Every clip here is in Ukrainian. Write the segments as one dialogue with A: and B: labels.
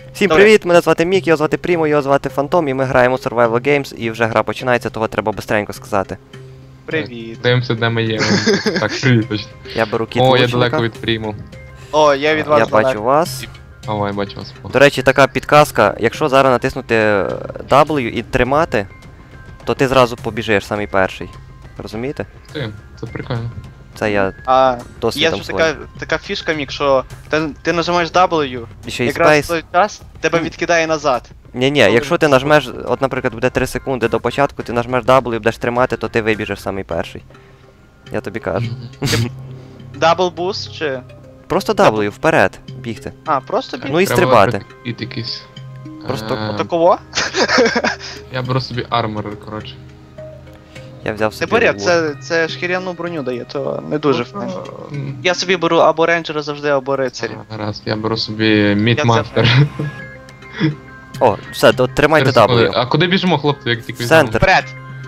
A: Всім
B: Добре.
A: привіт, мене звати Мік, його звати Прімо, його звати Фантом, і ми граємо Survival Games, і вже гра починається, того треба бистренько сказати.
B: Привіт.
C: Дивимося, де ми є. Так, привіт точно.
A: Я беру кіт
C: О, я
A: лучника.
C: далеко від прийму.
B: О, я від вас
A: Я
B: далеко.
A: бачу вас.
C: О, я бачу вас.
A: До речі, така підказка, якщо зараз натиснути W і тримати, то ти зразу побіжиш самий перший. Розумієте?
C: Це прикольно.
A: Це я
B: А, є
A: досвідом
B: ж
A: своїм.
B: така фішка, Мік, що ти нажимаєш W,
A: І ще й
B: якраз в
A: Space.
B: той час тебе відкидає назад.
A: Ні-ні, якщо ти нажмеш, от наприклад буде 3 секунди до початку, ти нажмеш W і будеш тримати, то ти вибіжиш самий перший. Я тобі кажу.
B: Double boost чи...
A: Просто W, вперед, бігти.
B: А, просто біг?
A: Ну і стрибати.
C: І якийсь.
A: Просто
B: Такого?
C: Я беру собі армор, коротше.
A: Я взяв
B: Не
A: собі.
B: бери,
A: лук.
B: це шкіряну броню дає, то не дуже файно.
C: М,
B: Я собі беру або рейнджера завжди, або рицарі.
C: Гаразд, я беру собі
B: Я
C: мідмастер.
A: О, все, то тримайте W.
C: А куди біжимо, хлопці, як тільки
A: В центр.
B: Вперед!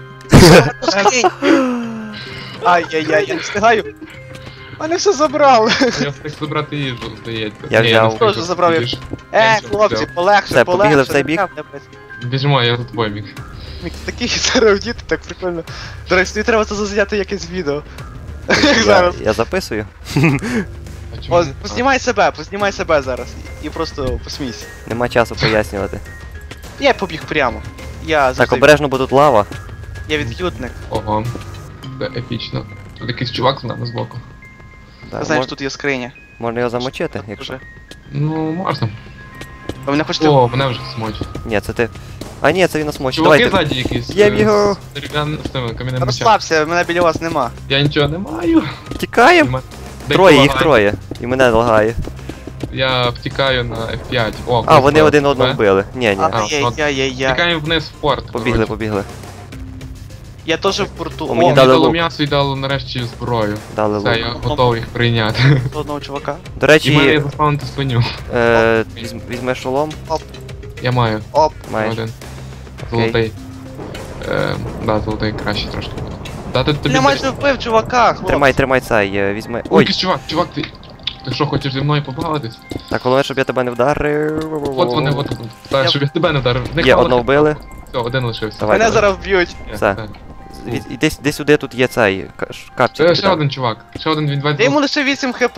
B: Ай-яй-яй, я не встигаю. Мене все забрали.
C: Я встиг забрати їжу, здається.
A: Я
C: Ні,
A: взяв.
C: не встиг
B: Теж забрав,
C: їжу.
B: Хлопці,
C: взяв.
B: полегше,
A: Все, побігли
B: полегше.
A: в цей бік?
C: Біжимо, я за тобою біг.
B: Мік, такий зараз діти, так прикольно. До речі, тобі треба це зазняти якесь відео. Як
A: Я,
B: зараз.
A: я записую.
C: А чому
B: О,
C: не-
B: познімай себе зараз. І просто посмійся.
A: Нема часу пояснювати.
B: Я побіг прямо. Я
A: Так,
B: завжди.
A: обережно, бо тут лава.
B: Я від'ютник.
C: Ого. Це епічно. Тут якийсь чувак з нами збоку.
A: Так,
B: Ти знаєш, тут є скриня.
A: можна його замочити, якщо.
B: Вже.
C: Ну, можна.
B: Ви мене хочете.
C: О, мене вже смочить.
A: Ні, це ти. А ні, це він нас мочить.
C: Чуваки
A: Давайте.
C: ззаді якісь.
A: Є його.
C: З дерев'яним з тими кам'яним мечем.
B: Розслабся, мене біля вас нема.
C: Я нічого не маю.
A: Тікаємо.
C: Десь
A: Троє, їх
C: лагає.
A: троє. І мене лагає.
C: Я втікаю на F5. О,
A: А, вони
C: хтось
A: один
C: тебе.
A: одного вбили. Ні, ні.
B: Ай-яй-яй-яй-яй.
C: Втікаємо вниз в порт.
A: Побігли, побігли.
B: Я теж в порту.
A: О, мені
C: Мені
A: дали
C: дало
A: лук.
C: м'ясо і дало нарешті зброю.
A: Дали
C: Все,
A: лук.
C: я готовий їх прийняти.
B: Одного чувака.
A: До
C: І в мене є
A: речі,
C: заспавнити свиню.
A: візьмеш шолом.
C: Я маю.
B: Оп.
A: Маєш.
C: Один. Золотий. Да, золотий краще трошки буде. Дати тобі.
B: Я майже вбив чувака, хлопці.
A: Тримай цей, візьми.
C: Ой,
A: Ой,
C: якийсь чувак, ти. Ти що, хочеш зі мною побавитись?
A: так, головне, щоб я тебе не вдарив.
C: От вони, от. Так, щоб я тебе не вдарив. В них
A: Є,
C: мало
A: одного
C: хп.
A: вбили.
C: Все, один лишився.
A: Давай,
B: Мене
A: давай.
B: зараз вб'ють.
C: Є,
A: Все. Іди сюди, тут є цей капчик.
C: Ще один чувак. Ще один він
B: Я йому лише 8 хп.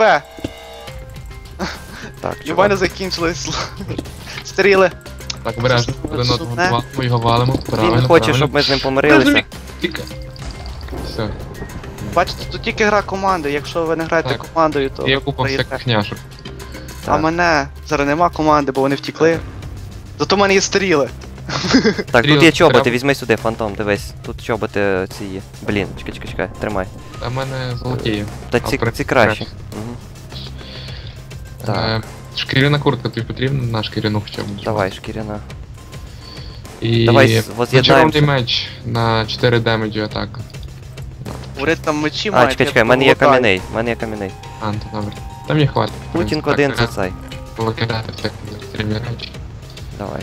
A: Так,
B: І в мене
A: чувак.
B: закінчились стріли.
C: Так, обережно. Один одного валимо, ми його валимо.
A: Він хоче, щоб ми з ним помирилися.
C: Тільки. Все.
B: Бачите, тут тільки гра команди. Якщо ви не граєте
C: Так.
B: командою, то
C: Є
B: ви
C: купа
B: програєте.
C: всяких няшок.
B: А
A: Так.
B: мене зараз нема команди, бо вони втікли. Зато в мене є стріли.
A: Так, тут
C: Стрілок
A: є чоботи,
C: треба.
A: візьми сюди, фантом, дивись. Тут чоботи ці є. Блін, чекай, тримай.
C: А в мене золоті є.
A: Та
C: А,
A: ці
C: краще.
A: краще. Мгм. Так.
C: Шкіряна куртка тобі потрібна на шкіряну хоча б.
A: Давай, шкіряна.
C: І
A: Давай воз'єднаємося.
C: зачарований меч на 4 демеджі атака.
B: Говорить, там мечі
A: А,
B: мають.
A: чекай, в мене є кам'яний, в мене є кам'яний.
C: А, ну то добре. Там мені хватить.
A: Путінг один це цей.
C: Викидати всякі стрімні речі.
A: Давай.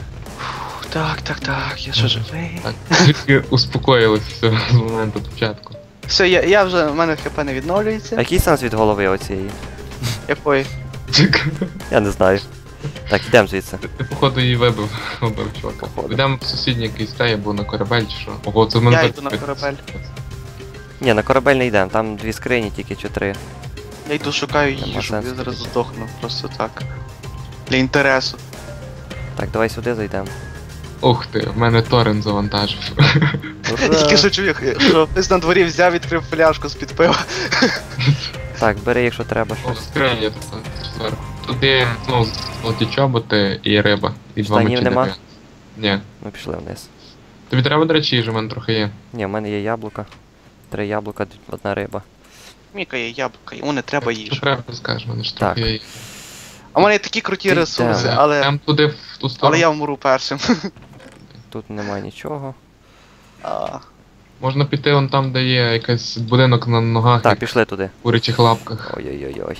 B: Так, я що живий.
C: Так, трішки успокоїлись все з моменту початку.
B: Все, я вже, в мене хп не
A: А
B: відновлюється.
A: який сенс від голови оцієї?
B: Якої?
A: Я не знаю. Так, йдемо звідси.
C: Ти походу її вибив чувака.
A: Походу.
C: Йдемо в сусідній якийсь стей або на корабель чи що. Ого, це в мене
B: Я
C: так
B: йду на
C: швидко.
B: корабель.
A: Ні, на корабель не йдемо, там 2 скрині, тільки чи 3.
B: Я йду шукаю
A: Нема
B: їжу,
A: сенсу
B: я зараз
A: тоді.
B: здохну, просто так. Для інтересу.
A: Так, давай сюди зайдемо.
C: Ух ти, в мене торрент завантажив.
B: Я тільки що чую, що хтось на дворі взяв, відкрив пляшку з-під пива.
A: Так, бери, якщо треба
C: О,
A: щось.
C: скриня тут зверху. Тут є, ну, золоті чоботи і риба. І 2
A: Штанів
C: мечі
A: нема?
C: дерев'яні. Ні.
A: Ми пішли вниз.
C: Тобі треба, до речі, їжі, в мене трохи є.
A: Ні, в мене є яблука. 3 яблука, 1 риба.
B: Міка є яблука, йому не треба
C: Що
B: їжі.
C: треба, ти скажеш, в мене ж
A: Так.
C: трохи є.
B: А в мене є такі круті
A: Ти
B: ресурси,
A: де?
B: але
C: Там туди, в ту сторону.
B: але я вмру першим.
A: Тут немає нічого.
B: А,
C: Можна піти вон там, де є якийсь будинок на ногах,
A: Так,
C: як
A: пішли туди.
C: в курячих лапках.
A: Ой-ой-ой-ой.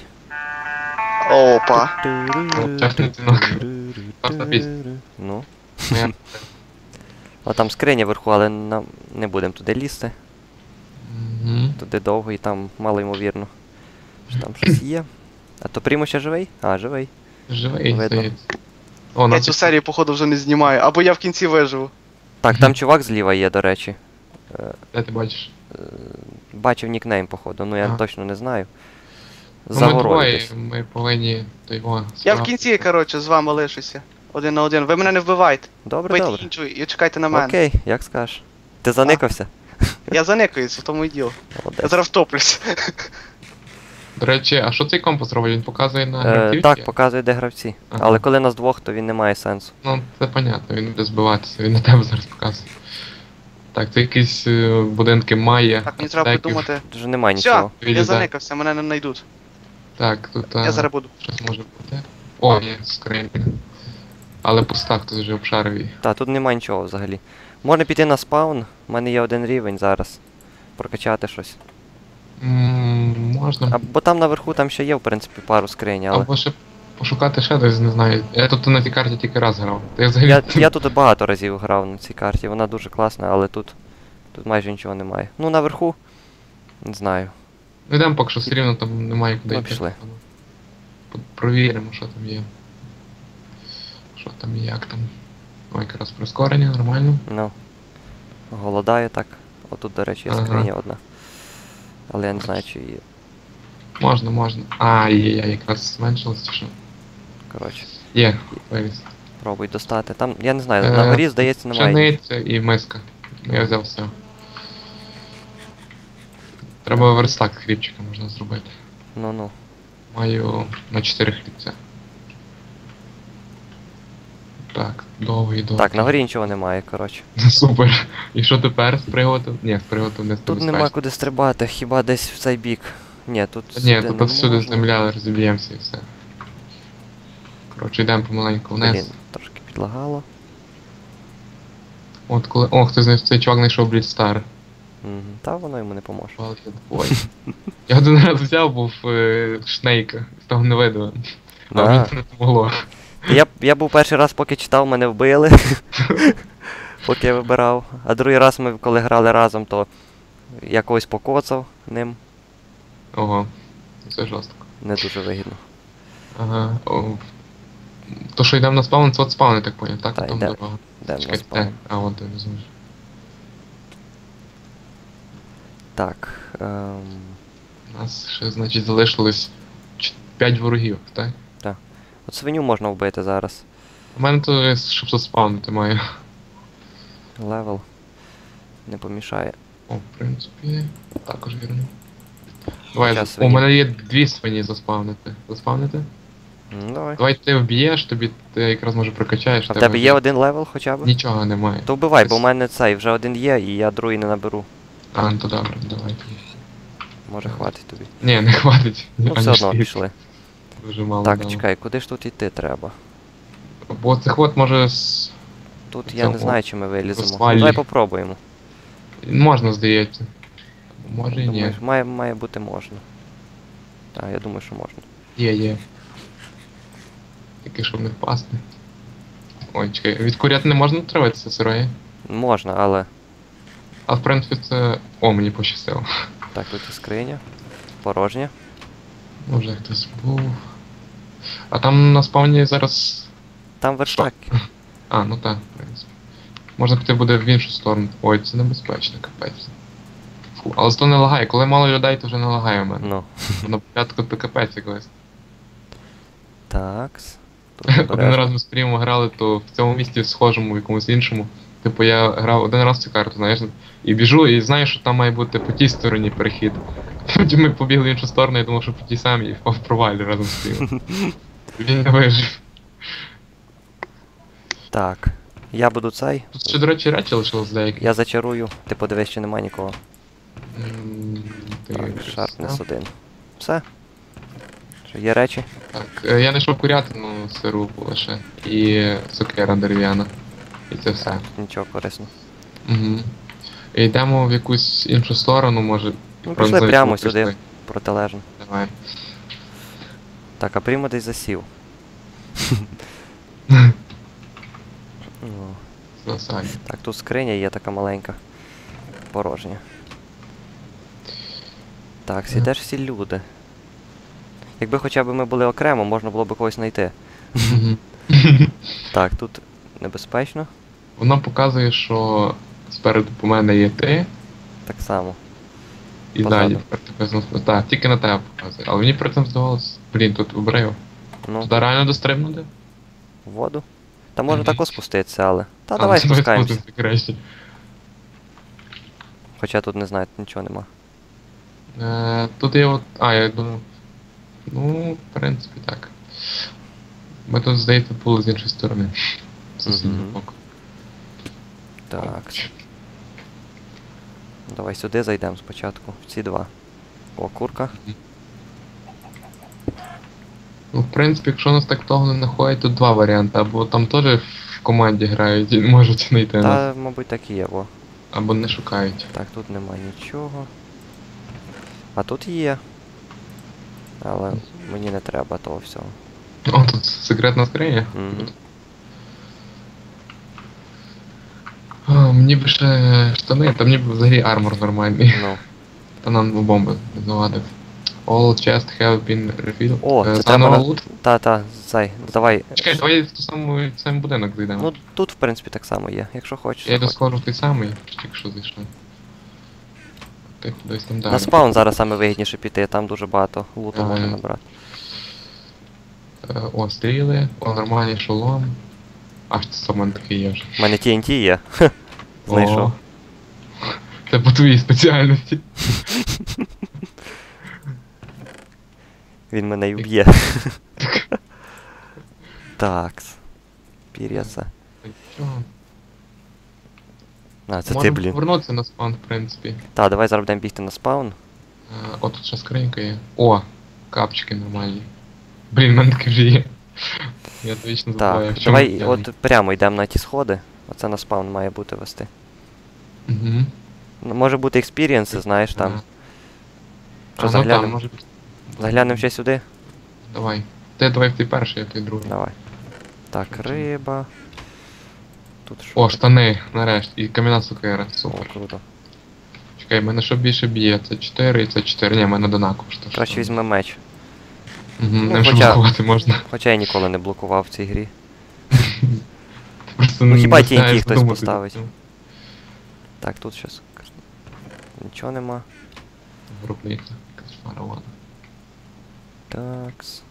B: Опа.
C: Чесний дзвінок. Класна пісня.
A: Ну.
C: Я-
A: А там скриня вверху, але нам не будемо туди лізти.
C: Мгм.
A: Туди довго і там мало ймовірно. Що там щось є. А то Прімо ще живий? А, живий.
C: Живий,
A: Видно.
C: здається. О,
B: Я
C: нас
B: цю серію, походу, вже не знімаю, або я в кінці виживу.
A: Так, там чувак зліва є, до речі.
C: де ти бачиш?
A: Бачив нікнейм, походу, ну я
C: Ага.
A: точно не знаю.
C: Ну,
A: За
C: ми
A: горою
C: двоє,
A: десь.
C: ми повинні то його.
B: Я в
C: справа.
B: кінці, коротше, з вами лишуся. Один на один. Ви мене не вбивайте.
A: Добре,
B: Бийте
A: добре.
B: іншу і чекайте на мене.
A: Окей, як скажеш. Ти заникався?
B: Я заникаюсь, в тому і діло. Я
A: Молодець.
B: зараз втоплюсь.
C: До речі, а що цей компас робить? Він показує на гравців?
A: Так,
C: чи?
A: показує, де гравці.
C: Ага.
A: Але коли нас двох, то він не має сенсу.
C: Ну, це понятно, він буде збиватися, він на тебе зараз показує. Так, це якісь будинки має.
B: Так, мені треба
C: аптеки.
B: придумати.
A: Вже немає
B: Все,
A: нічого.
B: я
C: Вилізай.
B: заникався, мене не знайдуть.
C: Так, тут
B: Я зараз буду.
C: щось може бути. О, є скринька. Але пуста, хтось вже обшарив її.
A: Та, тут немає нічого взагалі. Можна піти на спаун, у мене є один рівень зараз. Прокачати щось.
C: Можна.
A: Бо там наверху там ще є, в принципі, пару скринь, але.
C: Або ще пошукати ще десь, не знаю. Я тут на цій карті тільки раз грав. Та я взагалі.
A: Я тут багато разів грав на цій карті, вона дуже класна, але тут майже нічого немає. Ну, наверху, не знаю.
C: Ну йдемо поки що все рівно там немає куди
A: Ну,
C: йти.
A: пішли.
C: Провіримо, що там є. Що там і як там. Ой, якраз прискорення, нормально.
A: Ну. Голодаю так. Отут, до речі, є
C: Ага.
A: скриня одна. Але я не знаю, чи її.
C: Можна, можна. А, є, якраз зменшилось чи що.
A: Коротше,
C: Є, вивіз.
A: пробуй достати. Там, я не знаю, на горі, здається, немає.
C: Пшениця і миска. Я взяв все. Треба верстак хлібчика можна зробити.
A: Ну-ну.
C: Маю на 4 хлібця. Так, довгий.
A: Так, на горі нічого немає, коротше.
C: Супер. І що тепер з приготом? Ні, з приготом не
A: Тут нема куди стрибати, хіба десь в цей бік. Ні, тут
C: Ні,
A: сюди
C: тут
A: не
C: всюди
A: можна.
C: земля, розіб'ємося і все. Коротше, йдемо помаленьку
A: Блін,
C: вниз.
A: трошки підлагало.
C: От коли. О, хтось цей чувак знайшов Блідстар.
A: Мгм. Та воно йому не поможе.
C: Ой. Я один раз взяв, був Шнейка, з того не видно. А
A: Да.
C: мені це не помогло.
A: Я був перший раз, поки читав, мене вбили. Поки я вибирав. А другий раз ми, коли грали разом, то я когось покоцав ним.
C: Ого, це жорстко.
A: Не дуже вигідно.
C: Ага. О. То що йдемо на спаун, це от спаун, я так поняв, так?
A: Та,
C: Там
A: йдемо.
C: дорога.
A: Де в нас
C: Чекайте,
A: спаун?
C: а вон ти не зможеш.
A: Так.
C: У нас ще, значить, залишилось 5 ворогів, так?
A: От свиню можна вбити зараз.
C: У мене то є, щоб заспавнити маю.
A: Левел. Не помішає.
C: О, в принципі, також вірно. Давай,
A: Хоча
C: у
A: свині.
C: мене є 2 свині заспавнити. Заспавнити?
A: Давай.
C: Давай ти вб'єш, тобі ти якраз може прокачаєш.
A: А в тебе є один левел хоча б?
C: Нічого немає.
A: То вбивай, бо в
C: Ось.
A: мене цей вже один є, і я другий не наберу.
C: А, ну то добре, давай тоді.
A: Може хватить тобі.
C: Ні, не хватить.
A: Ну все одно пішли.
C: Дуже мало.
A: Так,
C: дало.
A: чекай, куди ж тут йти треба?
C: Бо цих от може
A: Тут я не
C: Цього
A: знаю, чи ми виліземо. Ну,
C: асфальті.
A: давай попробуємо.
C: можна, здається. Може і ні.
A: Думаєш, має бути можна. Так, я думаю, що можна.
C: Є. Тільки щоб не впасти. Ой, чекай, від курят не можна триватися сирої?
A: Можна, але.
C: А в принципі це. О, мені пощастило.
A: Так, тут і скриня. Порожня.
C: Може хтось був. А там на спавні зараз.
A: Там верстак.
C: А, ну так, в принципі. Можна піти буде в іншу сторону. Ой, це небезпечно, капець. Фу, але зато не лагає. Коли мало людей, то вже не лагає в мене.
A: Ну.
C: На початку то капець якось.
A: Такс. Тут
C: Один
A: обережно.
C: раз ми з Прімом грали, то в цьому місті схожому, в якомусь іншому. Типу я грав один раз цю карту, знаєш, і біжу, і знаю, що там має бути по тій стороні перехід. Потім ми побігли в іншу сторону, я думав, що по тій самій, і впав в провалі разом з Прімом. Він не вижив.
A: Так. Я буду цей.
C: Тут ще, до речі, речі лишилось деякі.
A: Я зачарую. Ти подивись, чи нема нікого.
C: Ти
A: Так,
C: щось
A: Sharpness
C: знав?
A: 1. Все. Що, є речі?
C: Так, я знайшов курятину сиру лише. І цукера дерев'яна. І це все.
A: Нічого корисного.
C: Угу. І йдемо в якусь іншу сторону, може.
A: Ну,
C: про
A: пішли
C: не
A: прямо
C: знаю,
A: сюди,
C: пішли.
A: протилежно.
C: Давай.
A: Так, а Прімо десь засів. О,
C: Засадь.
A: так, тут скриня є така маленька. Порожня. Так, сідеш всі люди. Якби хоча б ми були окремо, можна було б когось знайти.
C: Мгм.
A: Так, тут небезпечно.
C: Воно показує, що спереду по мене є ти,
A: Так само.
C: і
A: Позаду.
C: ззаді тепер тебе знов. Так, тільки на тебе показує. Але мені при цьому здавалось, блін, тут обрив.
A: Ну,
C: Туди реально дострибнути?
A: в воду. Та може
C: Мгм.
A: тако спуститися, але. Та
C: А,
A: давай
C: ну,
A: спускаємося.
C: спустимося краще.
A: Хоча тут не знаю, нічого нема.
C: Тут є от. А, я думаю. Ну, в принципі, так. Ми тут, здається, були з іншої сторони. З сусіднього
A: Мгм.
C: боку.
A: Так. Давай сюди зайдемо спочатку. В ці два. О, курка.
C: Ну, в принципі, якщо нас так того не знаходять, то два варіанти. Або там теж в команді грають і не можуть знайти нас,
A: Та, мабуть, так і є, о.
C: або не шукають.
A: Так, тут нема нічого. А тут є. Але мені не треба того всього.
C: О, тут секретна скриня.
A: Мгм.
C: О, мені б ще штани, та мені б взагалі армор нормальний.
A: Ну.
C: Та нам бомби не завадив. All chests have been revealed.
A: О, це
C: заново
A: треба на-
C: лут.
A: Та, зай, давай.
C: Чекай, давай в ту саму в сам будинок зайдемо.
A: Ну, тут, в принципі, так само є, якщо хочеш.
C: Я йду
A: заходь.
C: схожу в той самий, тільки що зайшов. Ти кудись там далі.
A: На спаун зараз саме вигідніше піти, там дуже багато луту можна
C: Ага.
A: набрати.
C: О, стріли, о, нормальний шолом. Аж це саме такий є вже.
A: У мене TNT є. Знайшов.
C: О, це по твоїй спеціальності.
A: Він мене й вб'є. Такс. Пір'яса.
C: Чого?
A: А, це ти,
C: Можемо
A: блін.
C: повернутися на спаун, в принципі.
A: Та, давай зараз будемо бігти на спаун.
C: О, тут ще скринька є. О, капчики нормальні. Блін, в мене таке вже є. Я то вічно забуваю,
A: Так,
C: в чому
A: давай
C: я.
A: от прямо йдемо на ті сходи. Оце на спаун має бути вести.
C: Угу.
A: Ну, може бути експірієнси, знаєш, там. Що,
C: Ну,
A: заглянемо?
C: там, може бути.
A: Заглянемо ще сюди?
C: Давай. Ти давай в той перший, а той другий.
A: Давай. Так, риба. Тут що?
C: О, штани, нарешті. І кам'яна сокира.
A: О,
C: Супер.
A: круто.
C: Чекай, в мене що більше б'є? Це 4 і це 4. Ні, в мене однаково.
A: Краще візьме меч.
C: Угу,
A: Ну,
C: не
A: хоча-
C: блокувати можна.
A: Хоча я ніколи не блокував в цій грі.
C: Просто
A: Ну, хіба
C: не
A: TNT
C: знаєш,
A: хтось
C: думати.
A: поставить. Так, тут щось. Нічого нема.
C: Групниця. Кошмара, ладно.
A: Такс.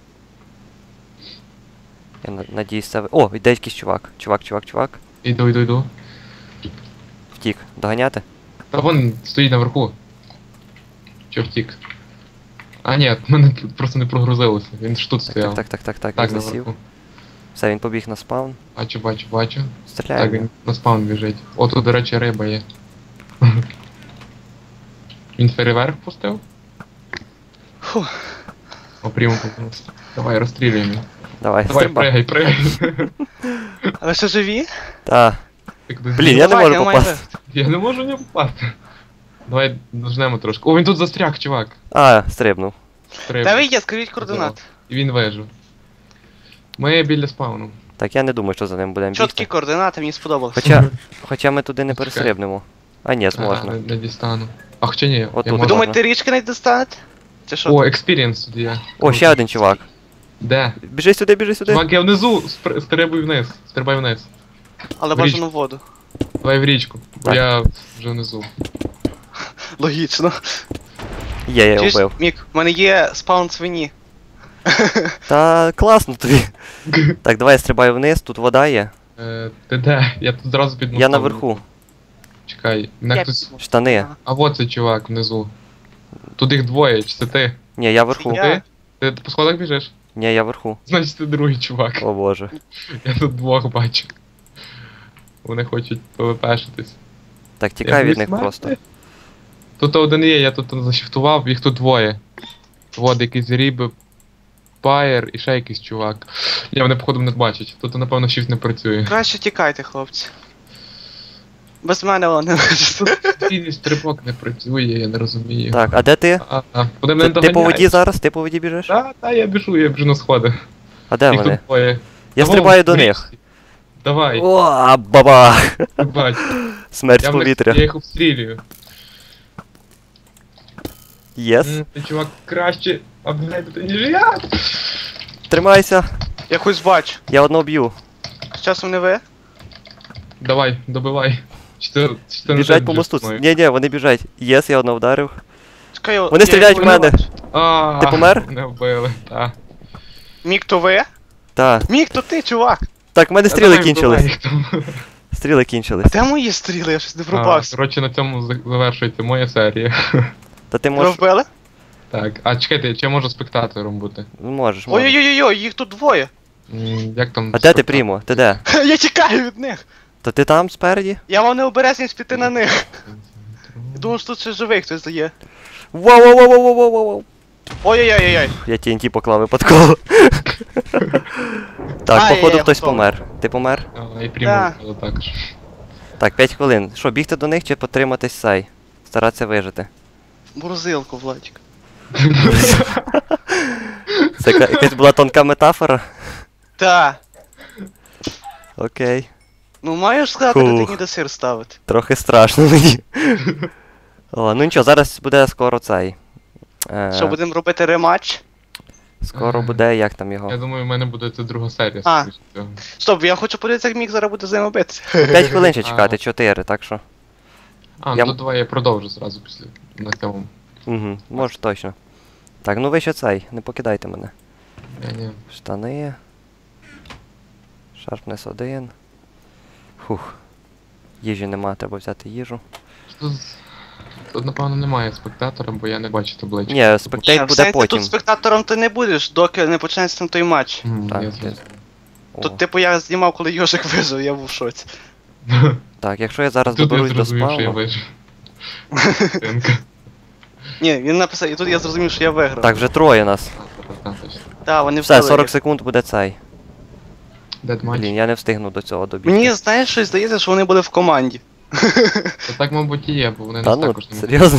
A: Я надіюсь це. О, йде якийсь чувак. Чувак.
C: Іду.
A: Втік. Доганяти?
C: Та вон стоїть наверху. Чо втік? А ні, в мене тут просто не прогрузилося. Він ж тут стояв.
A: Так,
C: Так,
A: він засів.
C: наверху.
A: Все, він побіг на спаун.
C: Бачу. Так,
A: Стріляємо.
C: він на спаун біжить. О, тут, до речі, риба є. Він фейерверк пустив?
B: Фу.
C: О, прямо попався. Давай, розстрілюємо.
A: Давай,
C: Давай,
A: стрибай.
C: пригай.
B: А ви ще живі?
A: Та.
C: Ти кудись
A: Блін, я не
B: Давай,
A: можу
B: я маю
A: попасти.
C: Я не можу не попасти. Давай дожнемо трошки. О, він тут застряг, чувак.
A: А, стрибнув.
C: Треба.
B: Де ви є? Скажіть координати.
C: І він вижив. Ми біля спауну.
A: Так я не думаю, що за ним будемо
B: Чіткі
A: бігти.
B: координати, мені сподобалось.
A: Хоча ми туди не
C: Чекай.
A: перестрибнемо. А, ні, зможна.
C: Не дістану. А хоча ні,
A: Отут.
C: я
A: Ви
B: Ви
C: можу.
B: думаєте, річки не достанете? Чи що?
C: О, експірієнс тут є.
A: О, ще один чувак.
C: Де?
A: Біжи сюди.
C: Чувак, я внизу, стрибай вниз.
B: Але
C: в
B: бажано в воду.
C: Давай в річку, бо
A: Так.
C: я вже внизу.
B: Логічно.
A: Є, я його
B: Чуєш,
A: вбив.
B: Мік, в мене є спаун свині.
A: Та класно тобі. Так, давай я стрибаю вниз, тут вода є.
C: Ти де? Я тут зразу під
A: Я
C: мостом.
A: наверху.
C: Чекай, мене
B: Я
C: хтось.
B: піду.
A: Штани.
C: А от цей чувак внизу. Тут їх двоє, чи це ти?
A: Ні, я вверху.
B: Я.
C: Ти по сходах біжиш?
A: Ні, я вверху.
C: Значить ти другий чувак.
A: О боже.
C: Я тут двох бачу. Вони хочуть ПВПшитись.
A: Так, тікай від них
C: смерти.
A: просто.
C: Тут один є, я тут зашифтував, їх тут двоє. Вот якийсь Ріби, Пайер і ще якийсь чувак. Ні, вони походу не бачать. Тут напевно shift не працює.
B: Краще тікайте, хлопці. Без мене воно не лежить.
C: Тут стрибок не працює, я не розумію.
A: Так, а де ти?
C: Куди мене
A: Ти по воді зараз? Ти по воді біжиш?
C: Та, я біжу на сходи.
A: А де
C: Їх
A: вони?
C: тут двоє.
A: Я
C: Та вон,
A: стрибаю до
C: в
A: них.
C: річці. Давай,
A: О, баба!
C: ти бач.
A: Смерть з
C: Я
A: повітря.
C: їх обстрілюю.
A: Єс.
C: Ти чувак краще обглядати, ніж я.
A: Тримайся.
B: Я хоч бачу.
A: Я одного б'ю.
B: З часом не ви?
C: Давай, добивай. Чи ти
A: Біжать по мосту. Ні, вони біжать. Єс, я одного вдарив.
B: Чекай,
A: Вони стріляють в мене. Ти помер?
C: Не вбили, так.
B: Мік, то ви?
A: Та.
B: Мік, то ти, чувак.
A: Так, в мене стріли
C: Давай,
A: кінчились.
C: вбивай їх там.
A: Стріли кінчились.
B: Де мої стріли? Я щось не пробався.
C: Коротше, на цьому завершується моя серія.
A: Та ти
B: Ви
A: можеш.
B: вбили?
C: Так, а чекайте, чи я можу спектатором бути?
A: Можеш.
B: Ой-ой-ой, їх тут двоє.
C: Як там.
A: А де ти, Прімо? Ти де?
B: Я тікаю від них.
A: То ти там спереді?
B: Я вам не обережність піти на них. Я думав, що тут ще живий хтось є.
A: Воу-воу-воу-воу-воу-воу-воу.
B: Ой-ой-ой-ой.
A: Я TNT поклав випадково. Так,
B: Ай,
A: походу
B: я
A: хтось
B: готовий.
A: помер. Ти помер?
C: І прямо
B: Да.
C: також.
A: Так, 5 хвилин. Що, бігти до них чи потриматись сай? Старатися вижити.
B: Морозилку, Владик.
A: Це якась була тонка метафора?
B: Та.
A: Окей.
B: Ну маєш сказати, де
A: Фух.
B: ти ніде сир ставити.
A: Трохи страшно мені. О, ну нічого, зараз буде скоро цей.
B: Що, будемо робити рематч?
A: Скоро буде, як там
C: Я
A: його.
C: думаю, в мене буде це друга серія.
B: А.
C: скоріше всього.
B: Стоп, я хочу подивитися, як Мік зараз буде з ними битися.
A: 5 хвилин ще чекати, 4, так що.
C: А, ну давай я продовжу зразу після на цьому.
A: Угу, може точно. Так, ну ви ще цей, не покидайте мене.
C: Ні.
A: Штани. Шарпнес 1. Фух. Їжі нема, треба взяти їжу.
C: Тут, напевно, немає спектатора, бо я не бачу таблички.
A: Ні, спектейт
B: В
A: буде
B: сенсі,
A: потім.
B: Тут спектатором ти не будеш, доки не почнеться там той матч.
A: Так,
C: Я
A: я-
C: зрозумів.
A: О.
B: Тут, типу, я знімав, коли Йожик вижив, я був в шоці.
A: Так, якщо я зараз
C: Тут я
A: доберусь до
C: зрозумів, що я
A: спавну.
C: вижив. Тинка.
B: Ні, він написав, і тут я зрозумів, що я виграв.
A: Так, вже троє нас.
C: Точно.
B: Так, вони
A: Все,
B: вбили
A: 40
B: їх.
A: секунд буде цей.
C: Дедматч.
A: Блін, я не встигну до цього добігти.
B: Мені, знаєш, щось здається, що вони були в команді.
C: Та так, мабуть, і є, бо вони
A: Та
C: нас
A: ну,
C: також не можуть.
A: серйозно?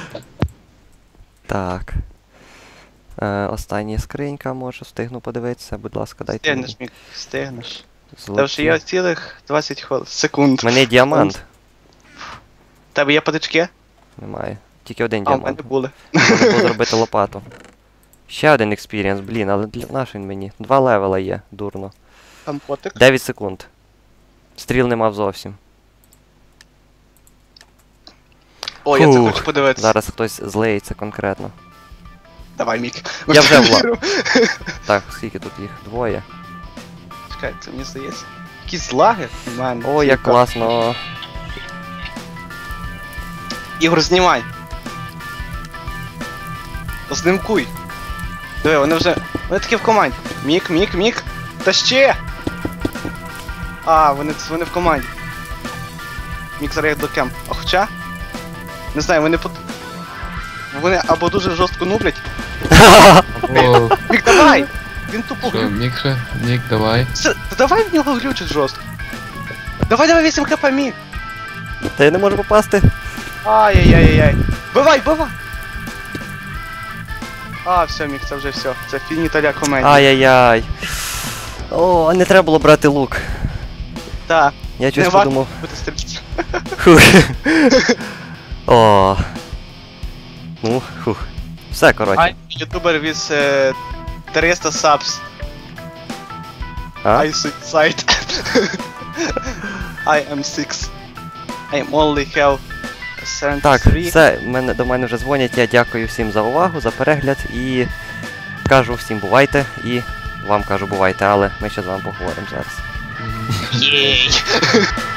A: Так. Остання скринька, може встигну подивитися, будь ласка, дайте мені.
B: Стигнеш, Мік, стигнеш. Та
A: Золоті.
B: вже є цілих 20 секунд.
A: У мене є діамант.
B: В тебе є патички?
A: Немає. Тільки один
B: А, в мене
A: діамант.
B: були.
A: Можна було зробити лопату. Ще один експірієнс, блін, але для наш він мені. 2 левела є, дурно.
B: Там котик.
A: 9 секунд. Стріл не мав зовсім.
B: О, я це
A: Фух,
B: хочу подивитися.
A: Зараз хтось злеється конкретно.
B: Давай, Мік.
A: Я вже Так, скільки тут їх? Двоє.
B: Чекай, це мені здається. Якісь лаги в мене.
A: О, як класно.
B: Ігор, знімай. Знимкуй. Диви, вони вже. Вони такі в команді. Мік, Мік, Мік. Та ще! А, вони в команді. Мік зараз їх до кемп. А хоча? Не знаю, вони або дуже жорстко нублять.
C: Або...
B: Мік, давай! Він тупо
C: Що, Мік, давай.
B: Та давай в нього глючить жорстко. Давай 8 хп, Мік.
A: Та я не можу попасти.
B: Ай-яй-яй-яй. Бивай, бивай! А, все, Мік, це вже все. Це фініталя комедія.
A: Ай-яй-яй. О, а не треба було брати лук.
B: Так,
A: Я щось
B: не варто
A: подумав.
B: бути стрільцем.
A: Хух. О. Ну, хух. Все, коротше.
B: Ютубер with 300 subs.
A: А?
B: I suicide. I am 6. I only have 73.
A: Так, все, до мене вже дзвонять. Я дякую всім за увагу, за перегляд і кажу всім бувайте і вам кажу бувайте, але ми ще з вами поговоримо зараз.
B: Єй!